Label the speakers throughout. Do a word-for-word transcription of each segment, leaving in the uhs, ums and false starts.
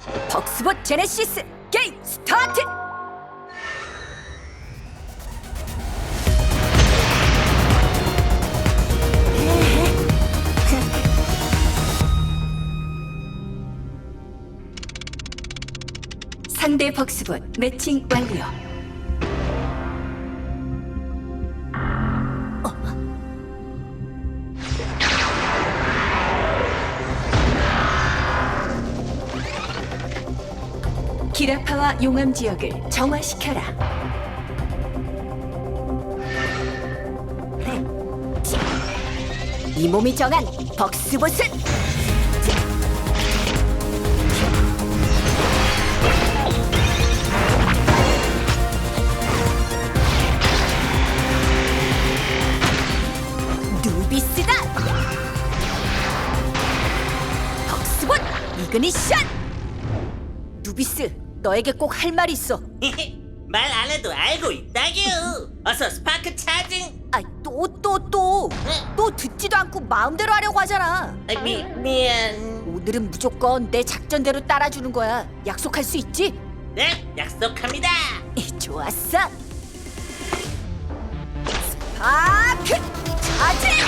Speaker 1: 벅스봇 제네시스 게임 스타트! 상대 벅스봇 매칭 완료. 기라파와 용암 지역을 정화시켜라. 이 몸이 정한 벅스봇은 누비스다. 벅스봇 이그니션. 누비스, 너에게 꼭 할 말이 있어.
Speaker 2: 말 안 해도 알고 있다규. 어서 스파크 차징.
Speaker 1: 아, 또 또 또.
Speaker 2: 응?
Speaker 1: 또 듣지도 않고 마음대로 하려고 하잖아.
Speaker 2: 아, 미 미안.
Speaker 1: 오늘은 무조건 내 작전대로 따라주는 거야. 약속할 수 있지?
Speaker 2: 네, 약속합니다.
Speaker 1: 좋았어. 스파크 차징!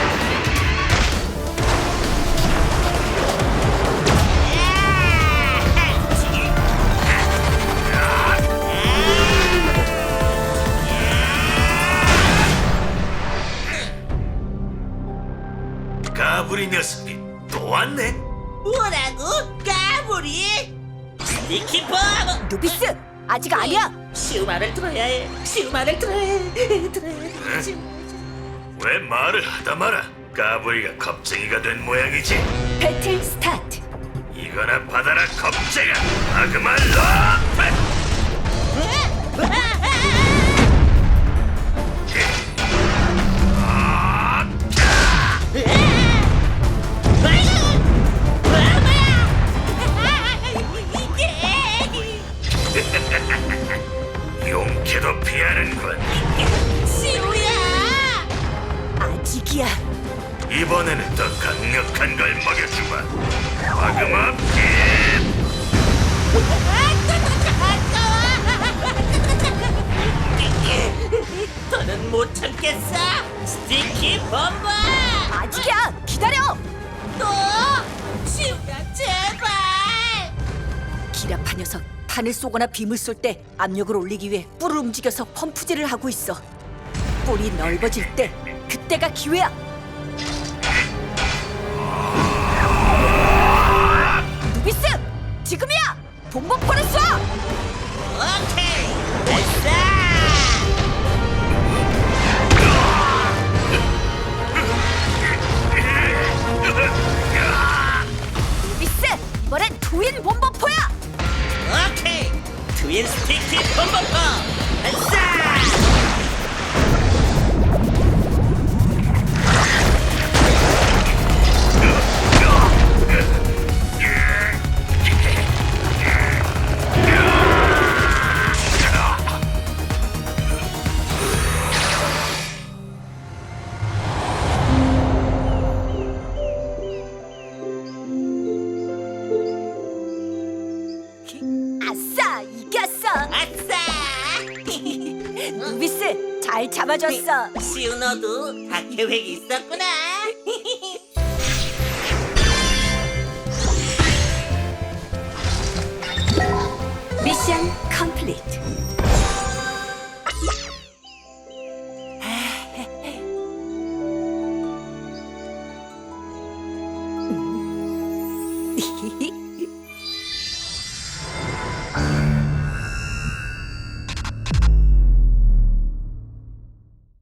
Speaker 3: 까불이 녀석이 또 왔네.
Speaker 2: 뭐라고? 까불이? 스티키퍼.
Speaker 1: 누비스, 아직 아니야.
Speaker 2: 시우 말을 들어야 해. 시우 말을 들어야 해. 들어야 해. 시우.
Speaker 3: 왜 말을 하다 마라. 까불이가 겁쟁이가 된 모양이지.
Speaker 1: 배틀 스타트.
Speaker 3: 이거나 받아라 겁쟁아. 아그만 러프. 용케도 피하는군.
Speaker 2: 시우야.
Speaker 1: 아직이야.
Speaker 3: 이번에는 더 강력한 걸 먹여주마. 아그마 피.
Speaker 2: 더는 못 참겠어. 스티키 범버.
Speaker 1: 아직이야. 기다려.
Speaker 2: 또 시우야 제발.
Speaker 1: 기라파 녀석, 판을 쏘거나 빔을 쏠 때 압력을 올리기 위해 뿔을 움직여서 펌프질을 하고 있어. 뿔이 넓어질 때 그때가 기회야. 누비스, 지금이야. bombo포를 쏴.
Speaker 2: 오케이 됐어.
Speaker 1: 누비스, 이번엔 트윈 bombo포야.
Speaker 2: 오케이 트윈 스티키 범버퍼 발사.
Speaker 1: 아싸, 이겼어.
Speaker 2: 아싸.
Speaker 1: 누비스, 잘 잡아줬어.
Speaker 2: 시우 너도 다 계획이 있었구나.
Speaker 1: 미션 컴플리트.